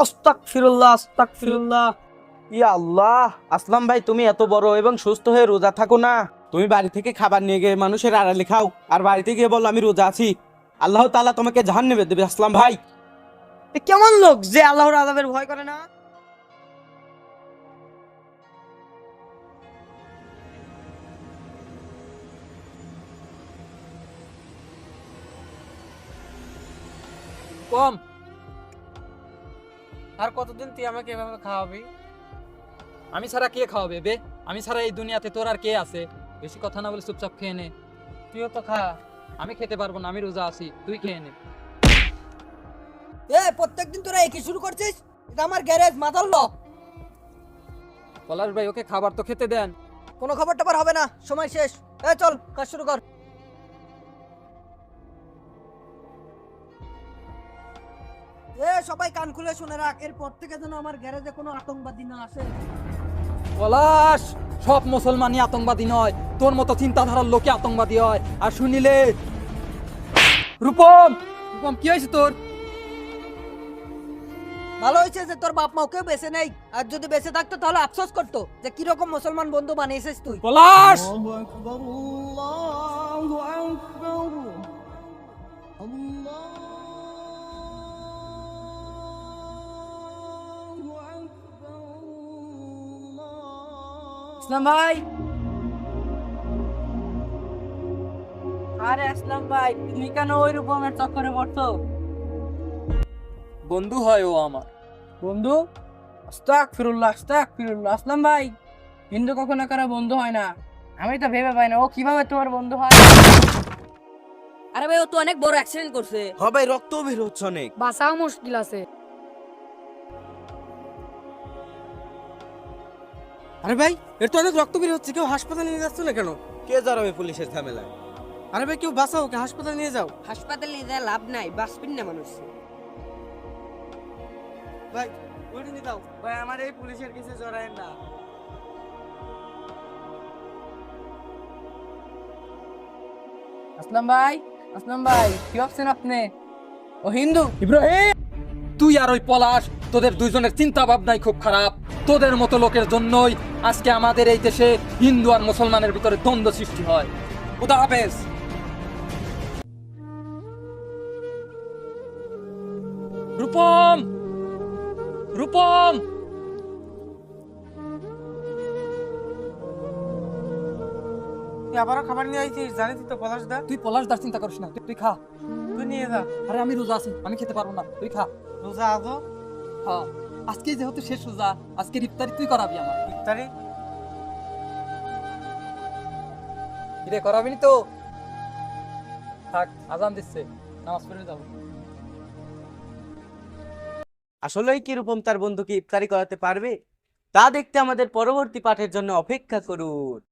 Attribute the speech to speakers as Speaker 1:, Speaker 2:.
Speaker 1: আস্তাগফিরুল্লাহ আস্তাগফিরুল্লাহ।
Speaker 2: ইয়া আল্লাহ, আসলাম ভাই তুমি এত বড় এবং সুস্থ হয়ে রোজা থাকো না? তুমি বাড়ি থেকে খাবার নিয়ে গিয়ে মানুষের আড়ালে খাও, আর বাড়িতে গিয়ে বলো আমি রোজা আছি। আল্লাহ তাআলা তোমাকে জাহান্নামে দেবে আসলাম ভাই।
Speaker 1: এ কেমন লোক যে আল্লাহর আযাবের ভয় করে না?
Speaker 3: কম। আর কতদিন তুই আমাকে এভাবে খাওয়াবি? আমি ছাড়া কে খাওয়াবে বে? আমি ছাড়া এই দুনিয়াতে তোর আর কে আছে? বেশি কথা না বলে চুপচাপ খেয়ে নে। তুইও তো খা। আমি খেতে পারবো না, আমি রোজা আছি, তুই খেয়ে নে।
Speaker 1: প্রত্যেকদিন তোরা একই শুরু করছিস? এটা আমার গ্যারেজ, মাথার ল।
Speaker 3: পলাশ ভাই, ওকে খাবার তো খেতে দেন।
Speaker 1: কোনো খবর টবর হবে না, সময় শেষ। চল কাজ শুরু কর। সবাই কান খুলে শুনে রাখ, এরপর থেকে যেন আমার গ্যারেজে কোনো আতঙ্কবাদী না আসে।
Speaker 3: পলাশ, সব মুসলমানই আতঙ্কবাদী নয়, তোর মতো চিন্তাধারার লোকে আতঙ্কবাদী হয়। আর শুনিলে রূপম, রূপম কি হয়েছে তোর?
Speaker 1: ভালো হয়েছে যে তোর বাপ মা ওকে বেঁচে নেই, আর যদি বেঁচে থাকতো তাহলে আফসোস করতো যে কিরকম মুসলমান বন্ধু বানিয়েছিস তুই।
Speaker 3: পলাশ,
Speaker 1: আসলাম ভাই। আরে আসলাম ভাই, তুমি কেন ওই রূপমের চক্করে পড়ছো?
Speaker 3: বন্ধু হয় ও আমার।
Speaker 1: বন্ধু? আস্তাগফিরুল্লাহ আস্তাগফিরুল্লাহ। আসলাম ভাই, হিন্দু কখনো কারো বন্ধু হয় না। আমি তো ভেবে পাই না ও কিভাবে তোমার বন্ধু হয়। আরে ভাই, ও তো অনেক বড় অ্যাক্সিডেন্ট করছে,
Speaker 2: হ্যাঁ ভাই, রক্ত বের হচ্ছে অনেক।
Speaker 1: বাঁচাও মুশকিল আছে।
Speaker 4: আরে ভাই, এর তো অনেক রক্ত বের হচ্ছে, কেউ হাসপাতালে নিয়ে যাচ্ছে না কেন?
Speaker 2: কে জড়াবে পুলিশের ঝামেলায়?
Speaker 4: আরে ভাই, কেউ বাঁচাও, ওকে হাসপাতালে নিয়ে যাও।
Speaker 1: হাসপাতালে নিয়ে যায় লাভ নাই, বাঁচবেন না মানুষ।
Speaker 4: ভাই ওইটা নিয়ে দাও ভাই, আমার এই পুলিশের কেসে জড়ায়েন না।
Speaker 1: আসলাম ভাই, আসলাম ভাই, কি ভাবছেন আপনি? ও হিন্দু।
Speaker 3: ইব্রাহিম, তুই আর ওই পলাশ, তোদের দুইজনের চিন্তা ভাবনাই খুব খারাপ। তোদের মতো লোকের জন্যই আজকে আমাদের এই দেশে হিন্দু আর মুসলমানের ভিতরে দ্বন্দ্ব সৃষ্টি হয়। খুদা হাফেজ। রূপম, রূপম,
Speaker 4: তুই আবারও খাবার নিয়ে আইছিস, জানিস তো পলাশ দা।
Speaker 3: তুই পলাশ দার চিন্তা করিস না, তুই খা।
Speaker 4: তুই নিয়ে যা।
Speaker 3: আরে আমি রোজা আছি, আমি খেতে পারবো না, তুই খা।
Speaker 4: রোজা আজও
Speaker 3: হ্যাঁ, আজকে যেহেতু শেষ রোজা, আজকে ইফতারি তুই করাবি আমার।
Speaker 4: ইফতারি।
Speaker 3: কিরে, করাবি নি তো? থাক, আজান দিচ্ছে, নামাজ পড়ে যাবো।
Speaker 2: আসলেই কি রূপম তার বন্ধুকে ইফতারি করাতে পারবে? তা দেখতে আমাদের পরবর্তী পাঠের জন্য অপেক্ষা করুন।